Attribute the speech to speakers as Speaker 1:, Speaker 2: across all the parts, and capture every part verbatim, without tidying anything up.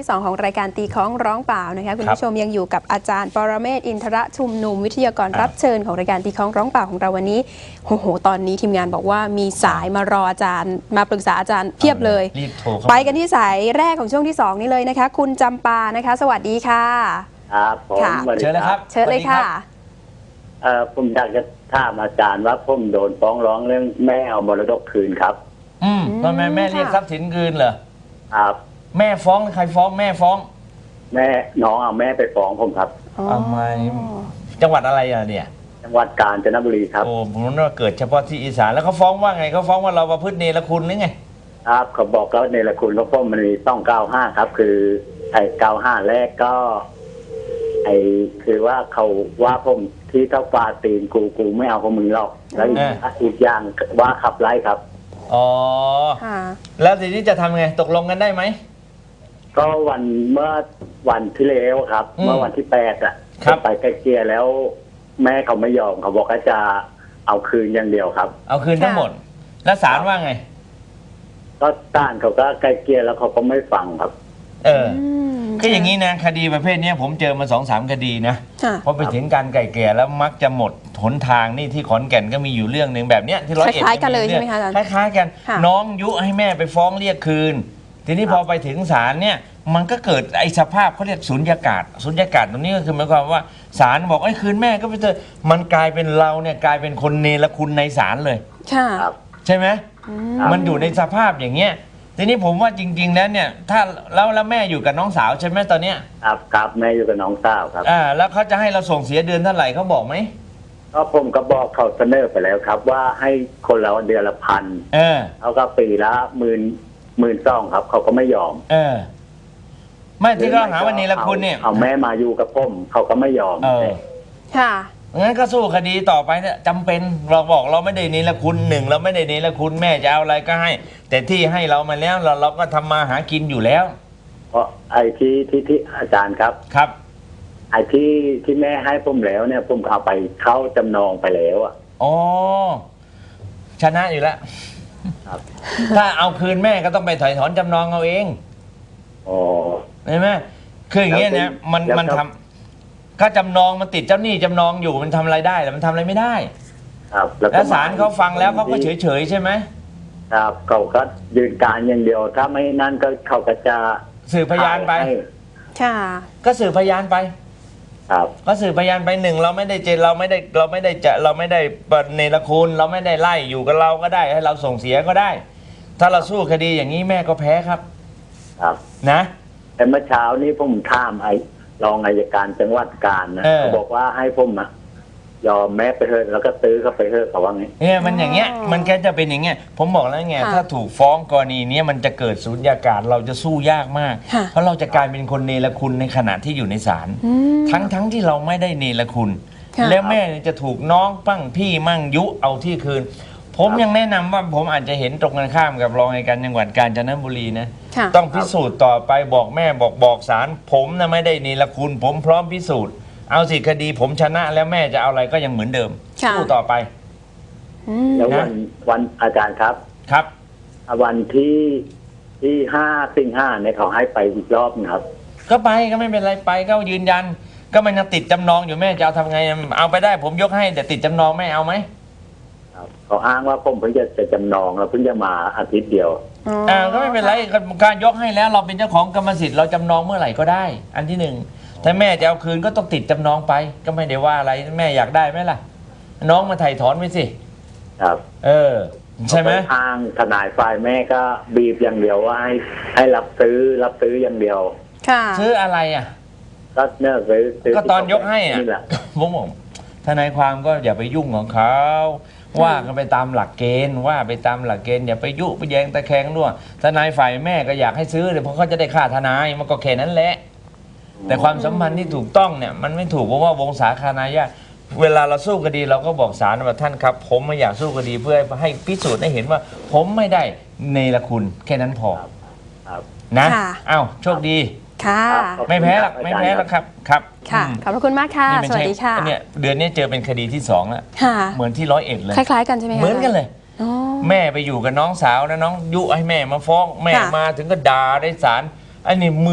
Speaker 1: ที่สองของรายการตีคล้องร้องเปล่านะคะคุณผู้ชมยังอยู่กับอาจารย์ปรเมศวร์อินทรชุมนุมวิทยากรรับเชิญของรายการตีคล้องร้องเปล่าของเราวันนี้โอ้โหตอนนี้ทีมงานบอกว่ามีสายมารออาจารย์มาปรึกษาอาจารย์เพียบเลยไปกันที่สายแรกของช่วงที่สองนี้เลยนะคะคุณจำปานะคะสวัสดีค่ะ
Speaker 2: ครับผม
Speaker 3: เชิญเลยครับ
Speaker 1: เชิญเลยค่ะ
Speaker 2: เอ่อผมอยากจะถามอาจารย์ว่าผมโดนฟ้องร้องเรื่องแม่เอามรดกคืนครับ
Speaker 3: อืมทำไมแม่เรียกทรัพย์สินคืนเหรอ
Speaker 2: ครับ
Speaker 3: แม่ฟ้องใครฟ้องแม่ฟ้อง
Speaker 2: แม่น้องเอาแม่ไปฟ้องผมครับ
Speaker 3: ทำไมจังหวัดอะไรอ่ะเนี่ย
Speaker 2: จังหวัดกาญจนบุรีครับ
Speaker 3: โอ้ผมนึกว่าเกิดเฉพาะที่อีสานแล้วเขาฟ้องว่าไงเขาฟ้องว่าเราประพฤติเนรคุณหรือไง
Speaker 2: ครับเขาบอกแล้วเนรคุณเพราะผมมันมีต้องเก้าห้าครับคือไอ้เก้าห้าแรกก็ไอ้คือว่าเขาว่าผมที่เท่าฟาตีนกูกูไม่เอาของมึงหรอกแล้วอีกอย่างว่าขับไล่ครับ
Speaker 3: อ๋อแล้วทีนี้จะทำไงตกลงกันได้ไหม
Speaker 2: ก็วันเมื่อวันที่แล้วครับเมื่อวันที่แปดอ่ะไปไกลเกลี่ยแล้วแม่เขาไม่ยอมเขาบอกว่าจะเอาคืนอย่างเดียวครับ
Speaker 3: เอาคืนทั้งหมดแล้วศาลว่าไง
Speaker 2: ก็ศาลเขาก็ไกลเกลี่ยแล้วเขาก็ไม่ฟังครับ
Speaker 3: เออก็อย่างนี้นะคดีประเภทนี้ผมเจอมาสองสามคดีนะพอไปถึงการไกลเกลี่ยแล้วมักจะหมดหนทางนี่ที่ขอนแก่นก็มีอยู่เรื่องหนึ่งแบบเนี้ยที่ร้อยเอ็ด
Speaker 1: คล้ายกันเลยใช่ไหมคะ
Speaker 3: คล้ายๆกันน้องยุให้แม่ไปฟ้องเรียกคืนทีนี้พอไปถึงศาลเนี่ยมันก็เกิดไอ้สภาพเขาเรียกสุญญากาศสุญญากาศตรงนี้ก็คือหมายความว่าศาลบอกไอ้คืนแม่ก็ไปเถอะมันกลายเป็นเราเนี่ยกลายเป็นคนเนรคุณในศาลเลยใช่ไหมมันอยู่ในสภาพอย่างเงี้ยทีนี้ผมว่าจริงๆแล้วเนี่ยถ้าแล้วแล้วแม่อยู่กับน้องสาวใช่ไหมตอนเนี้ย
Speaker 2: ครับครับแม่อยู่กับน้องสาวครับ
Speaker 3: อ่าแล้วเขาจะให้เราส่งเสียเดือนเท่าไหร่เขาบอกไหม
Speaker 2: ก็ผมก็บอกเขาเสนอไปแล้วครับว่าให้คนละเดือนละพัน
Speaker 3: เออ
Speaker 2: เขาก็ปีละหมื่นหมื่นสองครับเขาก็ไม่ยอม
Speaker 3: เออไม่ที่เขาหาวันนี้ละคุณเนี่ย
Speaker 2: เอาแม่มาอยู่กับผมเขาก็ไม่ยอม
Speaker 3: เออ
Speaker 1: ค่ะ
Speaker 3: งั้นก็สู้คดีต่อไปเนี่ยจำเป็นเราบอกเราไม่ได้เนรคุณหนึ่งเราไม่ได้เนรคุณแม่จะเอาอะไรก็ให้แต่ที่ให้เรามาแล้วเราเราก็ทำมาหากินอยู่แล้ว
Speaker 2: เพราะไอ้ที่ที่ที่อาจารย์ครับ
Speaker 3: ครับ
Speaker 2: ไอ้ที่ที่แม่ให้ผมแล้วเนี่ยผมเอาไปเข้าจำนองไปแล้วอ่ะ
Speaker 3: อ๋อชนะอยู่แล้วถ้าเอาคืนแม่ก็ต้องไปถอยถอนจำนองเอาเอง
Speaker 2: อ๋อ
Speaker 3: เห็นไหมคืออย่างเงี้ยเนี่ยมันมันทำก็จำนองมันติดเจ้าหนี้จำนองอยู่มันทำอะไรได้แต่มันทำอะไรไม่ได้
Speaker 2: ครับ
Speaker 3: แล้วศาลเขาฟังแล้วเขาก็เฉยเฉยใช่ไหม
Speaker 2: ครับเขาก็ยืนการอย่างเดียวถ้าไม่นั่นก็เขาก็จะ
Speaker 3: สืบพยานไป
Speaker 1: ค่ะ
Speaker 3: ก็สืบพยานไป
Speaker 2: ครับ
Speaker 3: ก็สืบพยานไปหนึ่งเราไม่ได้เจเราไม่ได้เราไม่ได้จะเราไม่ได้เนรคุณเราไม่ได้ไล่อยู่กับเราก็ได้ให้เราส่งเสียก็ได้ถ้าเราสู้คดีอย่างนี้แม่ก็แพ้ครับ
Speaker 2: ครับ
Speaker 3: นะ
Speaker 2: แต่เมื่อเช้านี้ผมถามไอ้รองอัยการจังหวัดกาญนะเขาบอกว่าให้ผมอะยอมแม่ไปเถอะแล้วก็ซื้อเขาไปเถอะเขาว่าไง
Speaker 3: เนี่ยมันอย่างเงี้ยมันแค่จะเป็นอย่างเงี้ยผมบอกแล้วไงถ้าถูกฟ้องกรณีนี้มันจะเกิดสุญญากาศเราจะสู้ยากมากเพราะเราจะกลายเป็นคนเนรคุณในขณะที่อยู่ในศาลทั้งทั้งที่เราไม่ได้เนรคุณแล้วแม่จะถูกน้องปั้งพี่มั่งยุเอาที่คืนผมยังแนะนำว่าผมอาจจะเห็นตรงกันข้ามกับรองอัยการจังหวัดกาญจนบุรีนะต้องพิสูจน์ต่อไปบอกแม่บอกบอกศาลผมนะไม่ได้เนรคุณผมพร้อมพิสูจน์เอาสิคดีผมชนะแล้วแม่จะเอาอะไรก็ยังเหมือนเดิมสู้ต่อไป
Speaker 2: แล้ววันวันอาจารย์ครับ
Speaker 3: ครับ
Speaker 2: วันที่ที่ห้าสิงหาเนี่ยเขาให้ไปอีกรอบนะครับ
Speaker 3: ก็ไปก็ไม่เป็นไรไปก็ยืนยันก็มันยังติดจำนองอยู่แม่จะเอาทำไงเอาไปได้ผมยกให้แต่ติดจำนองแม่เอาไหม
Speaker 2: เขาอ้างว่าผมเพิ่งจะจะจำนองแล้วเพิ่งจะมาอาทิตย์เดียว
Speaker 3: อ่าก็ไม่เป็นไรการยกให้แล้วเราเป็นเจ้าของกรรมสิทธิ์เราจำนองเมื่อไหร่ก็ได้อันที่หนึ่งถ้าแม่จะเอาคืนก็ต้องติดจำนองไปก็ไม่ได้ว่าอะไรแม่อยากได้ไหมล่ะน้องมาไถ่ถอนไปสิ
Speaker 2: ครับ
Speaker 3: เออใช่ไหม
Speaker 2: ทางทนายฝ่ายแม่ก็บีบอย่างเดียวว่าให้ให้รับซื้อรับซื้ออย่างเดียว
Speaker 1: ค่ะ
Speaker 3: ซื้ออะไรอ่ะ
Speaker 2: ก็เนี่ยซื้อ
Speaker 3: ก็ตอนยกให้อ่ะผมบอกทนายความก็อย่าไปยุ่งของเขาว่ากันไปตามหลักเกณฑ์ว่าไปตามหลักเกณฑ์อย่าไปยุไปแยงตะแคงด้วยทนายฝ่ายแม่ก็อยากให้ซื้อเลยเพราะเขาจะได้ค่าทนายมันก็แค่นั้นแหละแต่ความสัมพันธ์ที่ถูกต้องเนี่ยมันไม่ถูกเพราะว่าวงศาคณาญาติเวลาเราสู้คดีเราก็บอกศาลว่าท่านครับผมไม่อยากสู้คดีเพื่อให้พิสูจน์ให้เห็นว่าผมไม่ได้เนรคุณแค่นั้นพอนะอ้าวโชคดี
Speaker 1: ค่ะ
Speaker 3: ไม่แพ้หรอกไม่แพ้หรอกครับครับ
Speaker 1: ค่ะขอบพระคุณมากค่ะสวัสดีค่ะ
Speaker 3: เนี่ยเดือนนี้เจอเป็นคดีที่สองแล้วเหมือนที่ร้อยเอ็ดเลย
Speaker 1: คล้ายๆกันใช่ไหมคะ
Speaker 3: เหมือนกันเลยแม่ไปอยู่กับน้องสาวนะน้องยุให้แม่มาฟ้องแม่มาถึงก็ด่าได้ศาลอันนี้มึน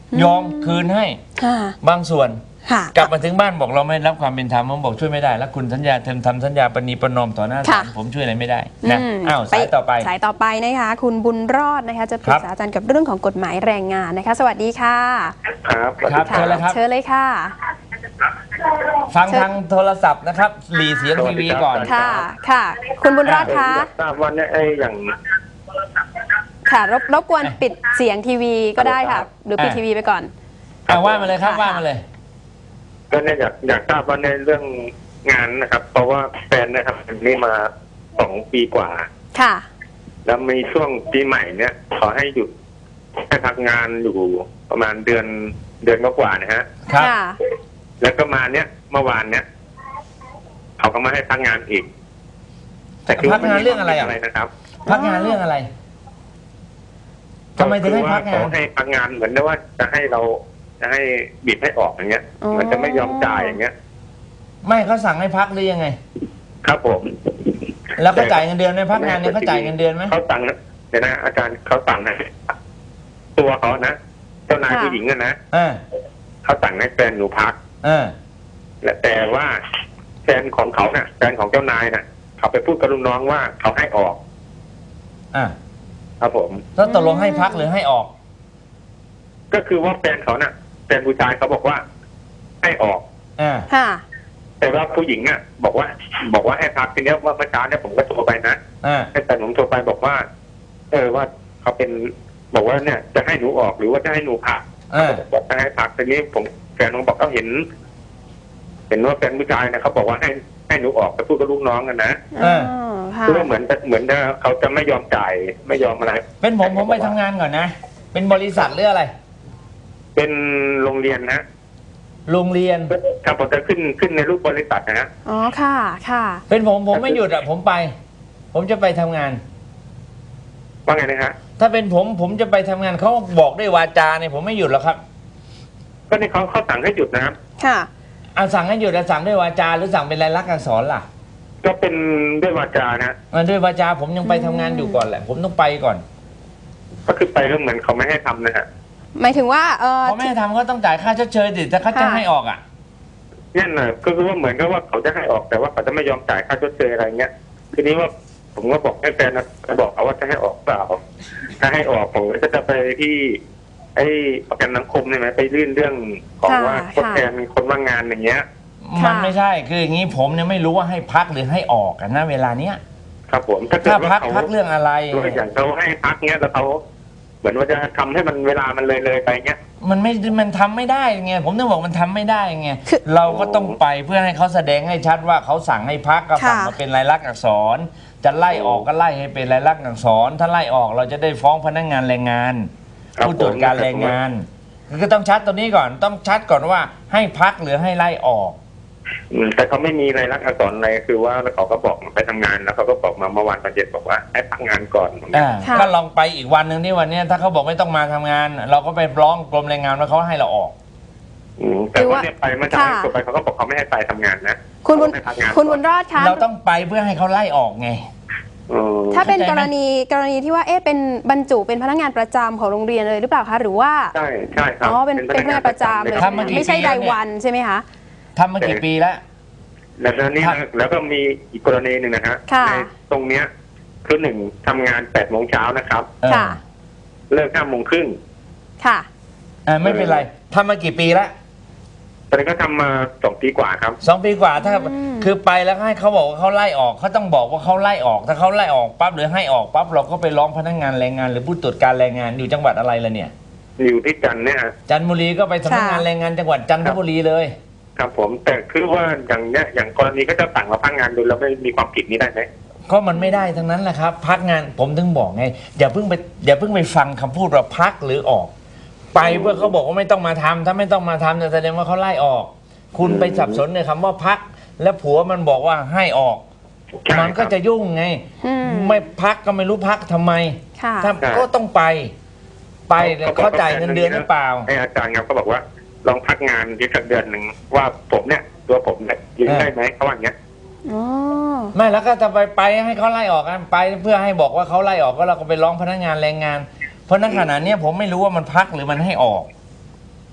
Speaker 3: ยอมคืนให้
Speaker 1: ค่ะ
Speaker 3: บางส่วน
Speaker 1: ค่ะ
Speaker 3: กลับมาถึงบ้านบอกเราไม่รับความเป็นธรรมผมบอกช่วยไม่ได้แล้วคุณสัญญาเทมทำสัญญาปณีประนอมต่อหน้าศาลผมช่วยอะไรไม่ได้นะ
Speaker 1: ม
Speaker 3: อ้าวสายต่อไป
Speaker 1: สายต่อไปนะคะคุณบุญรอดนะคะจะปรึกษาอาจารย์กับเรื่องของกฎหมายแรงงานนะคะ สวัสดีค่ะ
Speaker 2: ครับ
Speaker 3: ครับ เชิญเลยครับ
Speaker 1: เชิญเลยค่ะ
Speaker 3: ฟังทางโทรศัพท์นะครับหลีเสียงทีวีก่อน
Speaker 1: ค่ะค่ะ คุณบุญรอดคะ
Speaker 4: ทราบว่าเนี่ยไอ้อย่าง
Speaker 1: ค่ะรบรบกวนปิดเสียงทีวีก็ได้ค่ะ หรือปิด
Speaker 3: อ่ะ
Speaker 1: ทีวีไปก่อน
Speaker 3: เอาว่ามาเลยครับ
Speaker 1: ค่ะ
Speaker 3: ว่ามาเลย
Speaker 4: ก็เนี่ยอยากอยากทราบว่าในเรื่องงานนะครับ เพราะว่าแฟนเนะครับนี่มาสองปีกว่า
Speaker 1: ค่ะ
Speaker 4: แล้วมีช่วงปีใหม่เนี่ยขอให้หยุดให้พักงานอยู่ประมาณเดือนเดือนกว่าๆนะฮะ
Speaker 3: ครับ
Speaker 1: ค่ะ
Speaker 4: แล้วก็มาเนี่ยเมื่อวานเนี่ยเขาก็มาให้พักงานอีก คือ
Speaker 3: พักงานเรื่องอะไรอ่ะ
Speaker 4: อะไรนะครับ
Speaker 3: พักงานเรื่องอะไรทำไมถึงให้พักงาน
Speaker 4: เขาให้พักงานเหมือนว่าจะให้เราจะให้บีบให้ออกอย่างเงี้ย
Speaker 1: อ๋อ
Speaker 4: มันจะไม่ยอมจ่ายอย่างเงี้ย
Speaker 3: ไม่เขาสั่งให้พักหรือยังไง
Speaker 4: ครับผม
Speaker 3: แล้วเขาจ่ายเงินเดือนไหมพักงานเนี่ยเขาจ่ายเงินเดือนไหม
Speaker 4: เขาสั่งนะเดี๋ยวนะอาจารย์เขาสั่งนะตัวเขานะเจ้านายผู้หญิงอะนะ
Speaker 3: อ่า
Speaker 4: เขาสั่งให้แฟนหนูพัก
Speaker 3: อ่า
Speaker 4: และแต่ว่าแฟนของเขาเนะ่ะแฟนของเจ้านายน่ะ เขาไปพูดกับลูกน้องว่าเขาให้ออก
Speaker 3: อ่า
Speaker 4: ครับผม
Speaker 3: แล้วตกลงให้พักหรือให้ออก
Speaker 4: ก็คือว่าแฟนเขาน่ะแฟนผู้ชายเขาบอกว่าให้ออก
Speaker 3: อ่า
Speaker 1: ค่ะ
Speaker 4: แต่ว่าผู้หญิงอ่ะ บอกว่า บอกว่าให้พักทีเนี้ยว่าเมื่อเช้าเนี่ยผมก็โทรไปนะ
Speaker 3: อ่า
Speaker 4: ให้แฟนผมโทรไปบอกว่า เออว่าเขาเป็นบอกว่าเนี่ย จะให้หนูออกหรือว่าจะให้หนูพัก
Speaker 3: อ่า
Speaker 4: บอกจะให้พักทีนี้ผมแฟนผมบอกเขาเห็น เห็นว่าแฟนผู้ชายนะเขาบอกว่าให้ให้หนูออกไปพูดกับลูกน้องกันนะ
Speaker 3: อ่า
Speaker 1: อ๋อค่ะ
Speaker 4: เพื่อเหมือนเหมือนเขาจะไม่ยอมจ่ายไม่ยอมอะไร
Speaker 3: เป็นผมผมไปทำงานก่อนนะ เป็นบริษัทหรืออะไร
Speaker 4: เป็นโรงเรียนนะ
Speaker 3: โรงเรียน
Speaker 4: ครับผมจะขึ้นขึ้นในรูปบริษัทนะฮะ
Speaker 1: อ๋อ ค่ะ ค่ะ
Speaker 3: เป็นผมผมไม่หยุดอ่ะผมไป ผมจะไปทำงาน
Speaker 4: ว่าไงนะฮะ
Speaker 3: ถ้าเป็นผมผมจะไปทำงานเขาบอกด้วยวาจาเนี่ยผมไม่หยุดหรอกครับ
Speaker 4: ก็นี่เขาเขาสั่งให้หยุดนะครับ
Speaker 1: ค่ะ
Speaker 3: อ่ะสั่งให้หยุดอ่ะสั่งด้วยวาจาหรือสั่งเป็นลายลักษณ์อักษรล่ะ
Speaker 4: ก็เป็นด้วยวาจานะ
Speaker 3: อ่ะด้วยวาจาผมยังไปทำงานอยู่ก่อนแหละ ผมต้องไปก่อน
Speaker 4: ก็คือไปก็เหมือนเขาไม่ให้ทำนะฮะ
Speaker 1: หมายถึงว่า เออ
Speaker 3: เพราะไม่ให้ทำก็ต้องจ่ายค่าชดเชยดิถ้าเขาจะให้ออกอ่ะ
Speaker 4: นั่นน่ะก็คือว่าเหมือนกับว่าเขาจะให้ออกแต่ว่าเขาจะไม่ยอมจ่ายค่าชดเชยอะไรเงี้ยทีนี้ว่าผมก็บอกให้แฟนนะบอกเขาว่าจะให้ออกเปล่าถ้าให้ออกผมก็จะไปที่ ไอ้ประกันสังคมใช่ไหมไปยื่นเรื่องของว่าทดแทนคนว่างงานอย่างเงี้ย
Speaker 3: มันไม่ใช่คืออย่างนี้ผมเนี่ยไม่รู้ว่าให้พักหรือให้ออกกันนะเวลาเนี้ย
Speaker 4: ครับผมถ้าเกิด
Speaker 3: ถ้า
Speaker 4: ว่า
Speaker 3: พัก
Speaker 4: เขา
Speaker 3: พักเรื่องอะไร
Speaker 4: ตัวอย่างเขาให้พักเงี้ยแล้วเขาเหมือนว่าจะทำให้มันเวลามันเลยเลยไปเงี้ย
Speaker 3: มันไม่มันทำไม่ได้ไงผมต้องบอกมันทำไม่ได้ไง
Speaker 1: คือ
Speaker 3: เราก็ต้องไปเพื่อให้เขาแสดงให้ชัดว่าเขาสั่งให้พักก็สั่ง
Speaker 1: ค่ะ
Speaker 3: มาเป็นลายลักษณ์อักษร จะไล่ออกก็ไล่ให้เป็นลายลักษณ์อักษร ถ้าไล่ออกเราจะได้ฟ้องพนักงานแรงงาน
Speaker 4: ครับ
Speaker 3: ผู้ตรวจการแรงงานก็ต้องชัดตัวนี้ก่อนต้องชัดก่อนว่าให้พักหรือให้ไล่ออก
Speaker 4: อืมแต่เขาไม่มีรายลักษณ์อักษรอะไรคือว่าเขาก็บอกไปทำงานแล้วเขาก็บอกมาเมื่อวานตอนเย็นบอกว่าให้พักงานก่อน
Speaker 3: อ่า
Speaker 1: ค่ะ
Speaker 3: ก็ลองไปอีกวันหนึ่งที่วันเนี้ยถ้าเขาบอกไม่ต้องมาทำงาน เราก็ไปร้องกรมแรงงานว่าเขาให้เราออก
Speaker 4: อืมแต่ว่าเนี่ยไปเมื่อเช้าที่ไปเขาก็บอกเขาไม่ให้ไปทำงานนะ
Speaker 1: คุณบุญ
Speaker 4: เขาให้พักงาน
Speaker 1: คุณบุญรอดคะ
Speaker 3: เราต้องไปเพื่อให้เขาไล่ออกไง
Speaker 4: อืม
Speaker 1: ถ้าเป็น
Speaker 3: เข้าใจ
Speaker 1: ก
Speaker 3: ไหม
Speaker 1: รณีกรณีที่ว่าเอ๊ะเป็นบรรจุเป็นพนักงานประจำของโรงเรียนเลยหรือเปล่าคะหรือว่า
Speaker 4: ใช่ใช่ครับ
Speaker 1: อ๋อเป็นเป็นพนักงานประจำเลย
Speaker 3: ทำมากี่
Speaker 1: ไม่ใช่
Speaker 3: ปีแล้ว
Speaker 1: ราย
Speaker 3: เนี่ย
Speaker 1: วันใช่ไหมคะ
Speaker 3: ทำมากี่ปีแล้ว
Speaker 4: แล้วตอนนี้
Speaker 3: ครับ
Speaker 4: นะแล้วก็มีอีกกรณีหนึ่งนะฮะ
Speaker 1: ค่ะ
Speaker 4: ในตรงเนี้ยคือหนึ่งทำงานแปดโมงเช้านะครับ
Speaker 3: เออ
Speaker 1: ค่ะ
Speaker 4: เลิกห้าโมงครึ่ง
Speaker 1: ค่ะ
Speaker 3: อ่าไม่เป็นไรทำมากี่ปีแล้ว
Speaker 4: ตอนนี้ก็ทำมาสองปีกว่าครับ
Speaker 3: สองปีกว่าถ้า
Speaker 1: อืม
Speaker 3: คือไปแล้วให้เขาบอกว่าเขาไล่ออกเขาต้องบอกว่าเขาไล่ออก ถ้าเขาไล่ออกปั๊บหรือให้ออกปั๊บเราก็ไปร้องพนักงานแรงงาน หรือผู้ตรวจการแรงงานอยู่จังหวัดอะไรล่ะเนี่ย
Speaker 4: อยู่ที่จันทร์เนี่ยฮะ
Speaker 3: จันทบุรีก็ไปสำนักงานแรงงานจังหวัดจันทบุรีเลย
Speaker 4: ครับผมแต่คือว่าอย่างเนี้ยอย่างกรณีก็จะสั่งมาพักงานโดยเราไม่มีความผิดนี้ได้ไหม
Speaker 3: ก็มันไม่ได้ทั้งนั้นแหละครับ พักงานผมถึงบอกไงอย่าเพิ่งไปอย่าเพิ่งไปฟังคำพูดว่าพักหรือออก ไปเพื่อเขาบอกว่าไม่ต้องมาทำถ้าไม่ต้องมาทำจะแสดงว่าเขาไล่ออก คุณไปสับสนในคำว่าพัก แล้วผัวมันบอกว่าให้ออก
Speaker 4: ใช่
Speaker 3: มันก็จะยุ่งไง
Speaker 1: อืม
Speaker 3: ไม่พักก็ไม่รู้พักทำไม
Speaker 1: ค่ะ
Speaker 3: ถ้าก็ต้องไป ไปแล้วเขาจ่ายเงินเดือนหรือเปล่า
Speaker 4: ไอ้อาจารย์ครับก็บอกว่าลองพักงานที่สักเดือนหนึ่งว่าผมเนี่ยตัวผมเนี่ยยืน
Speaker 3: เออ
Speaker 4: ได้ไหมเขาว่าอย่างเงี้ย
Speaker 1: อ๋อ
Speaker 3: ไม่แล้วก็จะไปไปให้เขาไล่ออกกันไปเพื่อให้บอกว่าเขาไล่ออกก็เราก็ไปร้องพนักงานแรงงาน เพราะณขณะเนี้ยผมไม่รู้ว่ามันพักหรือมันให้ออก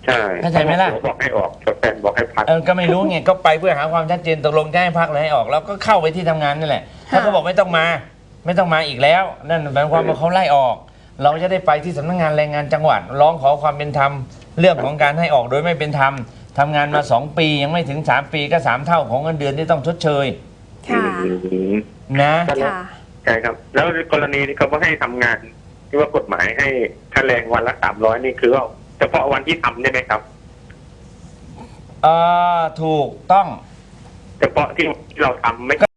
Speaker 4: ใช่
Speaker 3: เข้าใจไหมล่ะ
Speaker 4: ผัวบอกให้ออกแฟนบอกให้พัก
Speaker 3: เออก็ไม่รู้ไงก็ไปเพื่อหาความชัดเจนตกลงจะให้พักหรือให้ออกแล้วก็เข้าไปที่ทำงานนี่แหละถ้าเขาบอกไม่ต้องมาไม่ต้องมาอีกแล้วนั่นหมายความว่าเขาไล่ออก เราจะได้ไปที่สำนักงานแรงงานจังหวัดร้องขอความเป็นธรรมเรื่องของการให้ออกโดยไม่เป็นธรรมทำงานมาสองปียังไม่ถึงสามปีก็สามเท่าของเงินเดือนที่ต้องชดเชย
Speaker 1: ค่ะ
Speaker 4: อืม
Speaker 3: นะ
Speaker 1: ค่ะ
Speaker 4: ใช่ครับ แล้วกรณีที่เขาว่าให้ทำงานที่ว่ากฎหมายให้ค่าแรงวันละสามร้อยนี่คือว่าเฉพาะวันที่ทำใช่ไหมครับ
Speaker 3: เออถูกต้อง
Speaker 4: เฉพาะที่เราทำไม่